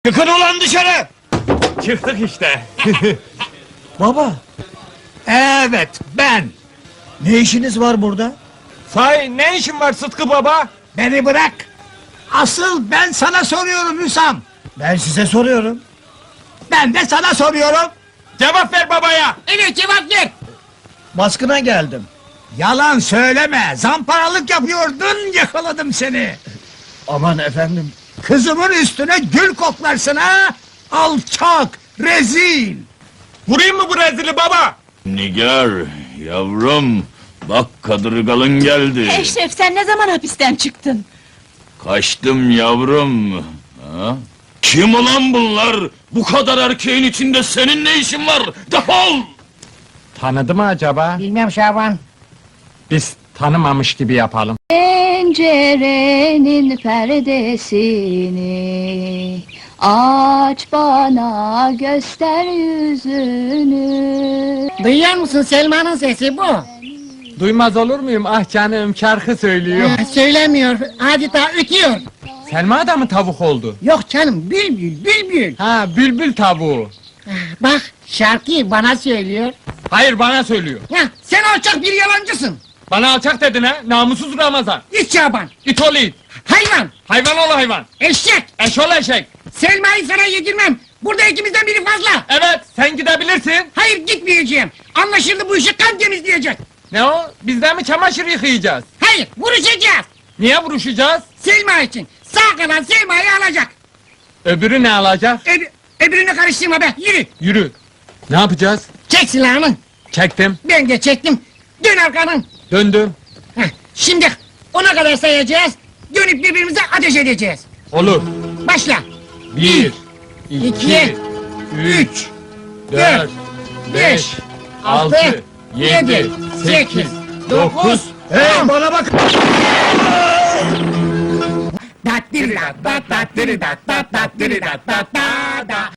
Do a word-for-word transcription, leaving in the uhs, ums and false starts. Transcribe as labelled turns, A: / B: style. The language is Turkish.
A: Çıkın ulan dışarı!
B: Çıktık işte.
A: Baba! Evet, ben! Ne işiniz var burada?
B: Sahi ne işin var Sıtkı baba?
A: Beni bırak! Asıl ben sana soruyorum Hüsam! Ben size soruyorum. Ben de sana soruyorum!
B: Cevap ver babaya!
A: Evet, cevap ver! Baskına geldim. Yalan söyleme! Zamparalık yapıyordun, yakaladım seni! Aman efendim! Kızımın üstüne gül koklarsın ha! Alçak! Rezil!
B: Vurayım mı bu rezili baba?
C: Nigar, yavrum, bak kadırgalın geldi.
D: Eşref, sen ne zaman hapisten çıktın?
C: Kaçtım yavrum. Ha? Kim ulan bunlar? Bu kadar erkeğin içinde senin ne işin var? Defol!
B: Tanıdı mı acaba?
E: Bilmem Şaban.
B: Biz tanımamış gibi yapalım.
D: Pencerenin perdesini aç, bana göster yüzünü.
E: Duyuyor musun, Selma'nın sesi bu.
B: Duymaz olur muyum? Ah canım, şarkı söylüyor.
E: Ha, söylemiyor, adeta ötüyor.
B: Selma da mı tavuk oldu?
E: Yok canım, bülbül, bülbül.
B: Ha, bülbül tavuğu.
E: Ah, bak, şarkıyı bana söylüyor.
B: Hayır, bana söylüyor.
E: Ya, sen alçak bir yalancısın.
B: Bana alçak dedin ha, namussuz Ramazan.
E: İt Şaban,
B: İt ol it.
E: hayvan,
B: Hayvan ol hayvan.
E: eşek.
B: Eş ol eşek.
E: Selma'yı sana yedirmem. Burada ikimizden biri fazla.
B: Evet, sen gidebilirsin.
E: Hayır, gitmeyeceğim. Anlaşıldı, bu işi kan temizleyecek.
B: Ne o? Bizden mi çamaşır yıkayacağız?
E: Hayır, vuruşacağız.
B: Niye vuruşacağız?
E: Selma için. Sağ kalan Selma'yı alacak.
B: Öbürü ne alacak?
E: Öb öbürünü karıştırma be, yürü.
B: Yürü. Ne yapacağız?
E: Çek silahını.
B: Çektim.
E: Ben de çektim. Dön arkanın.
B: Döndüm.
E: Heh, şimdi ona kadar sayacağız. Dönüp birbirimize ateş edeceğiz.
B: Olur.
E: Başla.
B: Bir, iki,
E: iki,
B: üç, dört, beş, altı, yedi, sekiz, dokuz.
A: Hey, bana bak!
E: Dat diri dat dat dat diri dat dat dat diri dat dat da da